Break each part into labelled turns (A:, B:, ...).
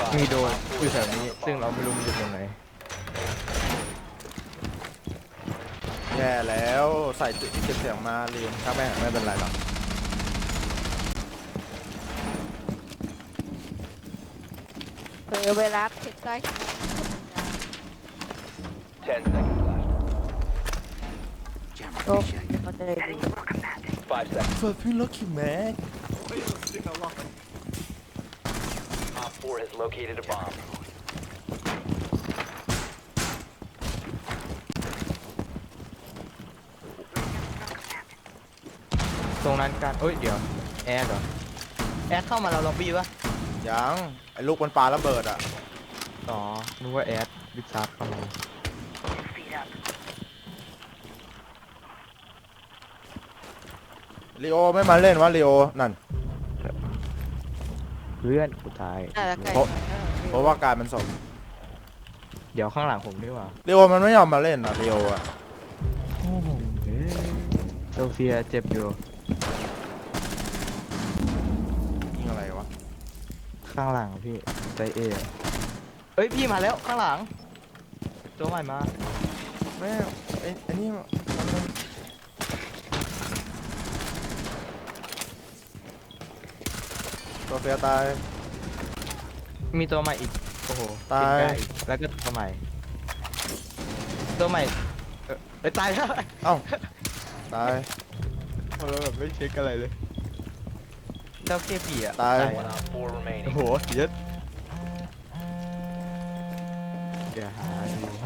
A: มีโดนอยู่แถวนี้ซึ่งเราไม่รู้มันอยู่ตรงไหน
B: แย่แล้วใส่จุดเก็บเสียงมาลืมถ้าไม่เป็นไรหรอก
C: เวลาเช็คได้
D: 10 seconds left.
C: โอ้ก็จะได้ดี
D: 5 seconds.
B: เฟิร์สพี่ล็อกคิวแม็ก
D: Op 4 has located a bomb.
A: ตรงนั้นกันเอ้ยเดี๋ยวแอดเหรอแอดเข้ามาเราล็อบบี้ปะ
B: ยังไอ้ลูกมันปาระเบิดอ่ะ
A: อ๋อนึกว่าแอดวิซาร์ดเข้ามา
B: ลีโอไม่มาเล่นวะลีโอนั่น
A: เพื่อนกูตาย
C: น่าจะใกล้
B: เพราะว่าการมันสม
A: เดี๋ยวข้างหลังผมดีกว่า
B: ลีโอมันไม่ยอมมาเล่นอ่ะลีโออ่ะ
A: โอ้โหโซเฟียเจ็บอยู่
B: ยิงอะไรวะ
A: ข้างหลังพี่ใจเอเอ้ยพี่มาแล้วข้างหลังตัวใหม่มา
B: แม่ไอ้นี่มันตัวเฟียตาย
A: มีตัวใหม่อีกโอ้โห
B: ตาย
A: เป็นไก่แล้วก็ตัวใหม่ตัวใหม่เอ้ยตายแล้ว
B: เอ้าตาย
A: เราแบบไม่เช็คอะไรเลยเจ้าเคปีอ่ะ
B: ตาย
A: อะ
D: One Op 4
A: โอ้
D: remaining.
A: โหเยอะเดี๋ยวหาดูให้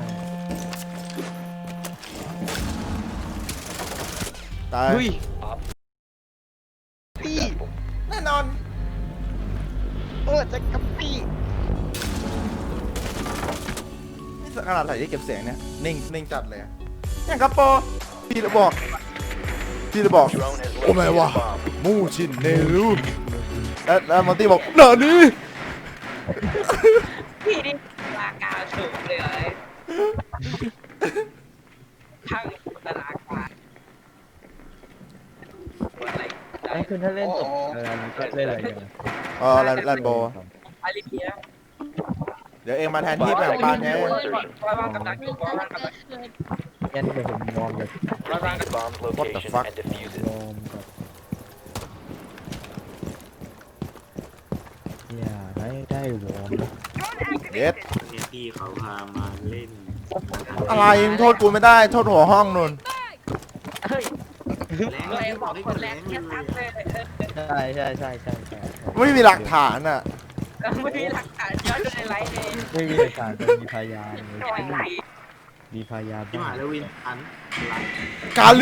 B: ตาย
A: เฮ้ย
D: Op
A: ปี
D: successful.
B: แน่นอน
A: จะกับปี
B: นี่ขนาดใส่ที่เก็บเสียงเนี่ยนิ่งจัดเลยอะอย่างกระโปรพี่เลยบอก
D: Drone has
B: โอ้ไม่
D: located
B: วะ
D: a bomb.
B: มูชินเนรุแล้วมอนตี้บอกหนานี่
E: พี่นี่รากาสูงเลยทั้งตลาดการอะไร
A: ไอ้คือถ้าเล่นจบมันก็เล่นอะไรกัน
B: แลนโบ
E: อะไรเงี้ย
B: เดี๋ยวเองมาแทนที่แบ่งปันไง
E: ว่างกำลังอยู่ว่างกำลัง
A: งั้นเดี๋ยวผมยอมเลย
D: Proceed to bomb's location
B: fuck?
D: and defuse it.
A: ยอมกับอย่าได้วอร์มนะ
B: เย็ด
F: เนี่ยพี่เขาพามาเล่น
B: อะไรมึงโทษกูไม่ได้โทษหัวห้องนุ่น
A: เฮ้ย
F: แรง
E: เลย
F: เลย
E: บบ อ
F: อก กได้
E: ค
F: คน น
E: แร
F: แร
E: ก
F: ง
E: แค่
F: เล
E: ตัด
F: ย
E: เลย
A: ใช่
B: ไม่มีหลักฐานอ่ะ
E: ไม่มีหลักฐานย้อนในไลฟ์เลย
A: ไม่มีหลักฐานแต่มีพยาน
E: หน่อย
A: มีพยาน
F: ที่หมายแล้ววินอันรัน
B: กาลี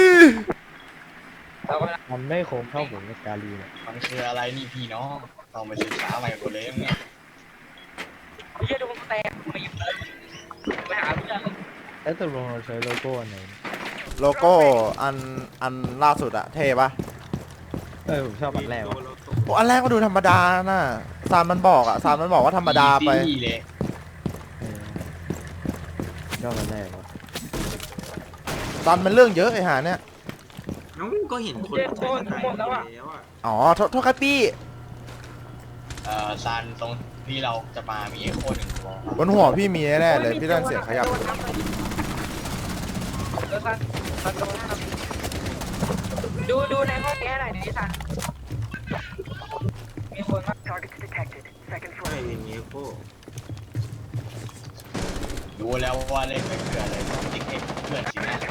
A: มันไม่คมเท่าผมกับกาลีเนี่ย
G: มันคืออะไรนี่พี่น้องต้องไปศึกษาใหม่หมดเลยเนี่ย
E: เยี่ยดูมันแตกมาอยู่ไปหาเพื่อน
A: แล้วตกลงเราใช้โลโก้อันไหน
B: โลโก้อันล่าสุดอะเท่ปะ
A: ผมชอบอันแรกว่ะ
B: โอ้อันแรกก็ดูธรรมดาน่ะซามมันบอกว่าธรรมดาไป
G: พี่เลย
A: ชอบอันแรกว่ะ
B: ซันมันเรื่องเยอะไอ้หาเนี่ย
F: น้องก็เห็นคนใช้กันไปแล้วอ่ะ
B: อ๋อโทษครับพี่
G: ซานตรงที่เราจะมามีไอ้โคหนึ่งตัว
B: บนหัวพี่มีแน่ๆเลยพี่ได้ยินเสียงขยับ
E: ดูในห้องแก้หน่อยดิสันมีคนมา
F: ใช่อย่างเงี้ยโค้
G: ดูแล้วว่าเล่นไม่เพื่อนเลยติ๊กให้เพื่อนสินะ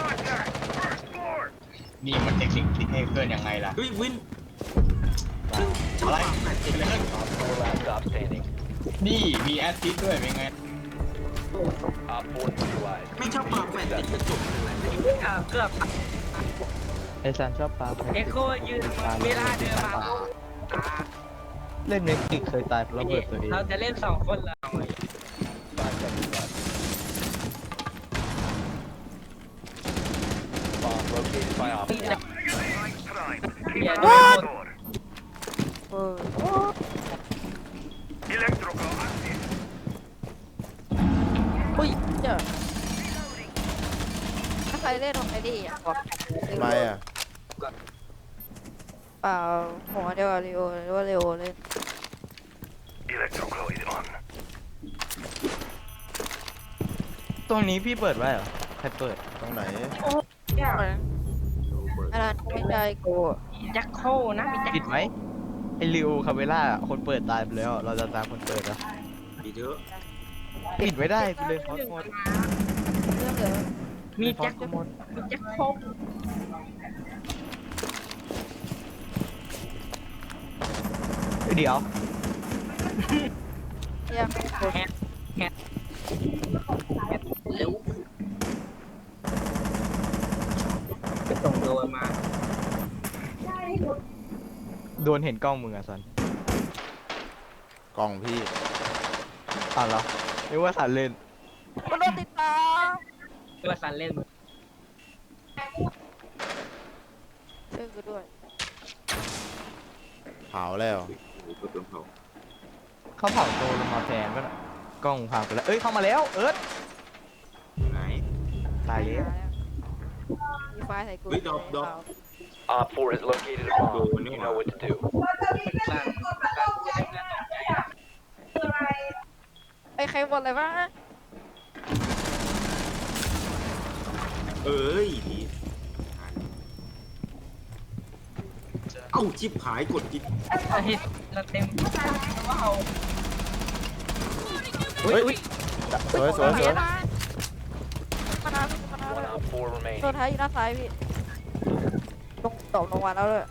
G: นี่มันติ๊กติ๊กให้เพื่อนยังไงล่ะ
F: เฮ้ยวิน
G: อะไรเกิดอะไรขึ้น
D: Op 4 last stop standing.
G: นี่มีแอสซิสด้วยเป็นไง
D: Op 4 neutralized.
F: ไม่ชอบปากแฟนติดกระจกอะไร
E: เกือบ
A: ไอซันชอบปลาแพ
E: เอ็กโคยืนเวลาเดินมา
A: เล่นเน็กติกเคยตายเพราะระเบิดตัวเอง
E: เราจะเล่น2 คนแล้ว
D: Bomb located by Op 4.
E: อย่าโดน
C: เอออุ้ยเดี๋ยวถ้าใครเล่นของไอ้นี่อ่ะบอก
B: ทำไมอะ
C: เปล่าหัวเดียวกับเรโอหรือว่าเรโอเล่น
H: Electrocloid on.
A: ตรงนี้พี่เปิดไว้เหรอใครเปิด
B: ตรงไหน
E: เนี่ย
C: อันนั้นไม่ใช่กู
E: แจ็คโคนะมีแจ็ค
A: ปิดไหมไอริวคาเวล่าคนเปิดตายไปแล้ว เราจะตามคนเปิดนะ
F: ปีเถอะ
A: ปิดไว้ได้กูเลยพอดหมด
C: เรื่องเหลือ
E: มีแจ็ค
A: พอดหมด
E: มีแจ็คโค
A: เดี๋ยว
C: เรื่องกู
E: เร็วไปส่งโดนมา
A: โดนเห็นกล้องมึงอะสัน
B: กล่องพี่
A: อ้าวเหรอนึกว่าสันเล่น
C: กูโดนติดตาม
E: ตัวสันเล่น
C: ช่วยกูด้วย
B: เผาแล้ว
F: ก็โดนเผา
A: เขาเผาโดนลงมาแทนก็น่ะกล้องพังไปแล้วเอ้ยเข้ามาแล้วเอิร์ธ
F: ไหน
A: ตายแล้ว
C: มีไฟใส่กู
F: เฮ้ยดอก
D: Op 4 has located a bomb. You know what to do.
C: ไอ้ใครบ่นอะไรวะ
F: เอ้ยดีเอ้าชิบหายกดจิต
E: เราเต็มว้าว
B: เฮ้ยสวยสวยสวย
C: มานามานา
D: One Op 4 remaining.
C: ตัวท้ายอยู่หน้าซ้ายพี่ลงตกลงมาแล้วเลย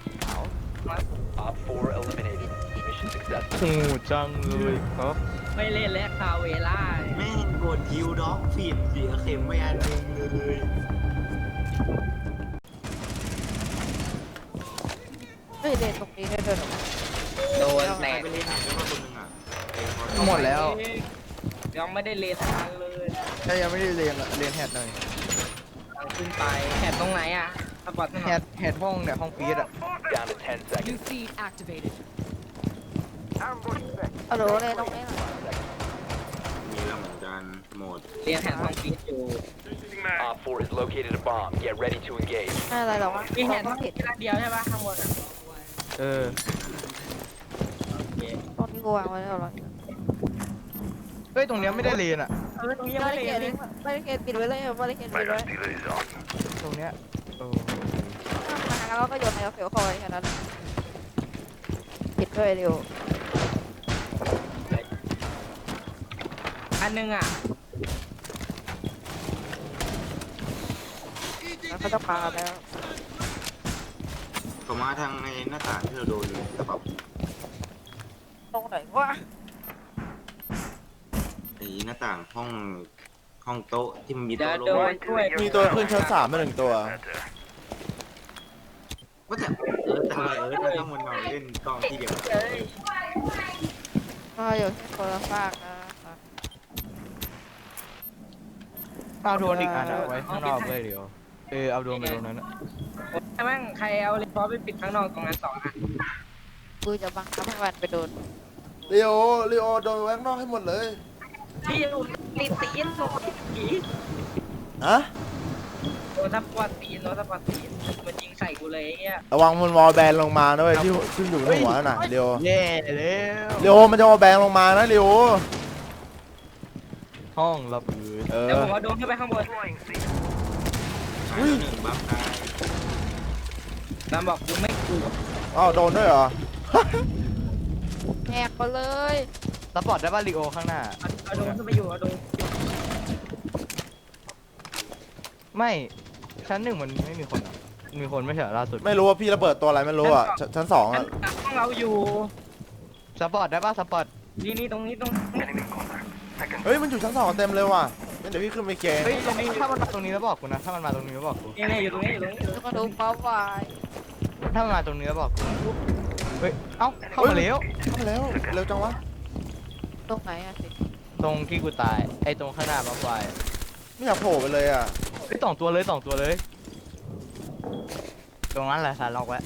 D: Op 4 eliminated. Mission successful.
A: โอ้จังเลยครับ
E: ไม่เล่นแล้วคาเวล่า
F: แม่งกดฮิวด็อกผิดเสียเข็มไม่อันหนึงเลย
C: เฮ้ยเล่นตรงนี้ได้ด้วยเหรอ
E: โดน
F: ใค
E: แต
F: ร
E: ก
F: ไปเล่นไหนได้ว่าคนหนึงอ่ะไอ้พอ
A: หมดแล้ว
E: ยังไม่ได้เลทานเลย
A: ใช่ยังไม่ได้เรียนอะเรียนแฮดหน่อย
E: เอาขึ้นไปแถบตรงไหนอ่ะสปอร์ตหน่อย
A: แฮดห้องเนี่ยห้องฟีดอะ
D: Down to 10 seconds.
H: New feed activated.
C: ฮัลโหลเล่นตรงนี้หน่อย
F: มีแล้วเหมือนกันหมด
E: เรียนแถบห้องฟีดอยู่
D: Op 4 has located a bomb. Get ready to engage.
C: ไม่อะไรหรอกวะ
E: มีแถบ
C: ต้
E: ห้
C: อ
E: อง ง
C: ผิ
E: ฟี
C: ด
E: ดเดียวใช่ปะข้างบนอ่ะ
A: เออ
C: ตรงที่กูวางไว้แล้วหรอ
A: เฮ้ยตรงเนี้ยไม่ได้เรียนอะ
E: ตรงนี้
C: บา
E: ไม่
C: ริ
E: ได้
C: เก
E: เล
C: ต
E: ย
C: บาริเกตปิดไว้เลยบาริเกตปิดไว้
A: ตรงเนี้ยโอ้
C: มาแล้วก็โยนในเฟลคอยแค่นั้นปิดด้วยเร็ว
E: อันนึงอ่ะ
C: แล้วเขาจะมาแล้ว
F: เขามาทางไอ้หน้าต่างที่เราโดนเลยแต่แบบ
C: ตรงไหนวะ
F: ไอ้หน้าต่างห้องโต๊ะที่มันมี
E: เดี๋ยว
F: โต๊ะ
E: โด
F: ลง
E: นช่วย
B: มีตัวขึ้นชั้น3มา1ตัว
F: ว่าแต่แต่ทำไมมันต้องมันนอนเล่นกล้องที่เดียว
E: เอ้ย
C: ก็อยู่ที่คนละฝากนะ
A: เอาโดนอีกอันอะไว้ข้างนอกเลยเดี๋ยวเอาโดนไปตรงนั้นอะ
E: ใช่มั้งใครเอาเลนฟอร์ไปปิดข้างนอกตรงนั้น2 อัน
C: กูจะบังคับให้มันไปโดน
B: ลีโอโดนแว้งนอกให้หมดเลย
E: พี่อยู่ตีตีนโดนผี
B: ฮะ
E: โดนสปอร์ตตีนมันยิงใส่กูเลยไอ้เงี้ย
B: ระวังมันวอลแบนลงมานะเว้ยที่ขึ้นอยู่บนหัวน่ะเลียว
A: แย่แล้ว
B: ลีโอมันจะวอลแบนลงมานะลีโอ
A: ห้องระเบิด
E: เดี๋ยวผมเอาโดนขึ้นไปข้างบน
F: หายหนึ่งบัฟได้
E: ตามบอกกูไม่กลัว
B: อ้าวโดนด้วยเหรอ
C: แหกไปเลย
A: ซัพพอร์ตได้ป่ะลีโอข้างหน้า
E: เอาโดนขึ้นไปอยู่เอาโดน
A: ไม่ชั้น1มันไม่มีคนอะมีคนไม่ใช่เหรอล่าสุด
B: ไม่รู้ว่าพี่ระเบิดตัวอะไรไม่รู้อ่ะชั้น2
E: ชั้
B: อ่ะ
E: นห้องเราอยู่
A: ซัพพอร์ตได้ป่ะซัพพอร์ต
E: นี่ตรงนี้
B: เฮ้ยมันอยู่ชั้น2เต็มเลยว่ะงั้นเดี๋ยวพี่ขึ้นไปเกง
A: เฮ้ยตรงนี้ถ้ามันมาตรงนี้แล้วบอกกูนะถ้ามันมาตรงนี้แล้วบอกกู
E: นี่อยู่ตรงนี้
C: แล้วก็ดูป๊อปวาย
A: ถ้ามันมาตรงนี้แล้วบอกกูเฮ้ยเอ้าเข้ามาแล้ว
B: เข้ามาแล้วเร็วจังวะ
C: ตรงไหนอะสิ
A: ตรงที่กูตายไอ้ตรงข้างหน้าบัฟไฟ
B: ไม่อยากโผล่ไปเลยอ่ะ
A: เฮ้ย2 ตัวเลย2 ตัวเลย ตรงนั้นแหละสารล็อกไว้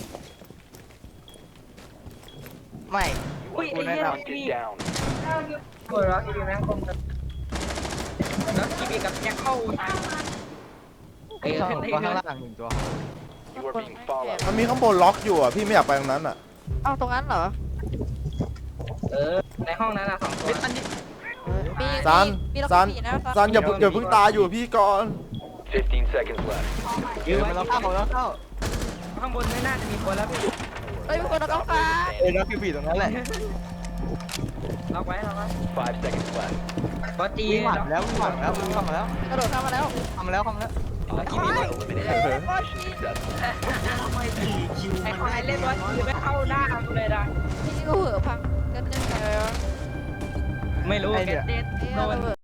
A: ไม่
E: อุ้ย
A: กู
E: ไอ้
A: แนะ
E: เหี้ย
A: น
E: นี่
D: down.
E: หัวเราะดีนะคมแล้วกีบีกับแจ็คเข้า
A: ำข้างตัวข้างล่าง1 ตัว
D: You are being followed.
B: มันมีข้างบนล็อกอยู่อ่ะพี่ไม่อยากไปตรงนั้นอ่ะ
C: เอ้าตรงนั้นเหรอ
E: ในห้องนั้น2 ตัว
A: เฮ้ยอันนี้
C: เออมี
B: ซัน
C: มีล็อก
B: ซัน
C: สี่นะ
B: ซันอย่าเพิ่งตายอยู่พี่ก่อน
D: 15 seconds left.
E: ยืน
A: เดี๋ยว
E: ไว้
A: มันเราเข้าของเราเข้า
E: ข้างบนไม่น่าจะมีคนแล้วพี่
C: เอ้ยมีคนเอากล้องฟ้า
A: เอ้ยเราคือผีตรงนั้นแหละ
E: ล็อกไว้
D: 5 seconds left.
E: ก็จี
A: วิ่งผ่านแล้ววิ่งผ่านแล้ววิ่งเข้ามาแล้ว
C: กระโดดเข้ามาแล้ว
A: เข้ามาแล้วเข้ามาแล้ว
D: Lucky man eliminated. Mission successful.
F: ทำไมผีคิว
E: ไอ้
F: มัน
E: ควายเล่นว่าจีไม่เข้าหน้ากูเลยนะ
C: พี่นี่ก็เหอะพังกันยังไงวะ
E: ไม่รู้แกเด็ด
C: เอ้ย
E: โดน
C: ระเบิด